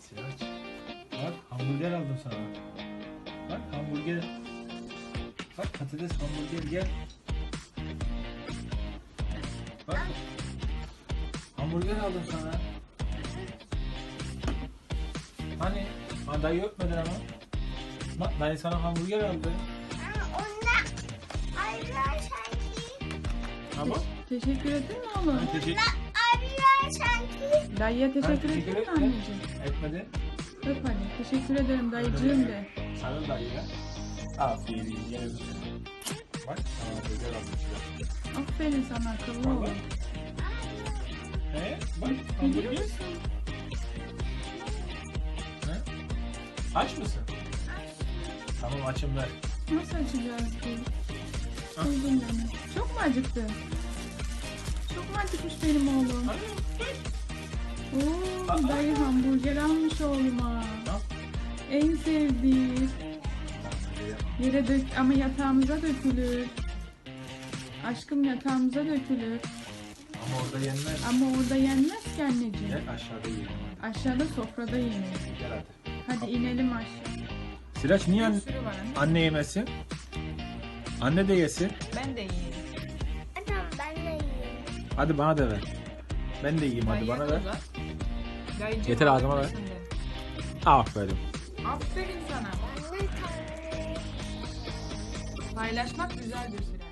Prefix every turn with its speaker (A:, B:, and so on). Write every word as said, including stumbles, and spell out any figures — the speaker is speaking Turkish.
A: Sirac. Bak hamburger aldım sana. Bak hamburger. Bak patates hamburger gel. Bak. Hamburger aldım sana. Hani? Ha, dayı öpmedin ama. Bak dayı sana hamburger aldı.
B: Onlar arıyor sanki.
A: Tamam.
C: Teşekkür ettin mi oğlum?
A: Ben teşekkür
B: Arıyor sanki.
C: Dayıya teşekkür
A: teşekkür
C: ettin mi
A: ettim.
C: anneciğim?
A: etmedi.
C: Öp hadi. Teşekkür ederim dayıcığım de.
A: Sarıl dayıya. Aferin. Yine bir bak sana hamburger aldım.
C: Aferin sana akıllı
A: Bak
C: ol.
A: bak. He? Bak
C: Biliyor
A: hamburger.
C: musun?
A: He? Aç mısın? Tamam açım ver.
C: Nasıl açacağız ki?
A: Ah.
C: Buldum beni. Çok mu acıktı? Çok mu acıkmış benim oğlum?
A: Hadi.
C: Oo,
A: Aa.
C: dayı hamburger almış oğluma.
A: Al.
C: En sevdiği. Yere dök ama yatağımıza dökülür. Aşkım yatağımıza dökülür.
A: Ama orada yenmez.
C: Ama orada yenmez ki anneciğim.
A: Gel aşağıda yiyelim.
C: Aşağıda sofrada yenir.
A: Gel hadi.
C: Hadi inelim aşağı.
A: Siraç niye
C: Bir
A: anne,
C: sürü var anne.
A: anne yemesin? Anne de yesin.
C: Ben de yiyeyim.
B: Tamam ben de yiyeyim.
A: Hadi bana da ver. Ben de yiyeyim hadi bana ver. Getir ağzıma ver. Aferin.
C: Aferin sana.
B: Ben de
C: Paylaşmak güzel bir şey.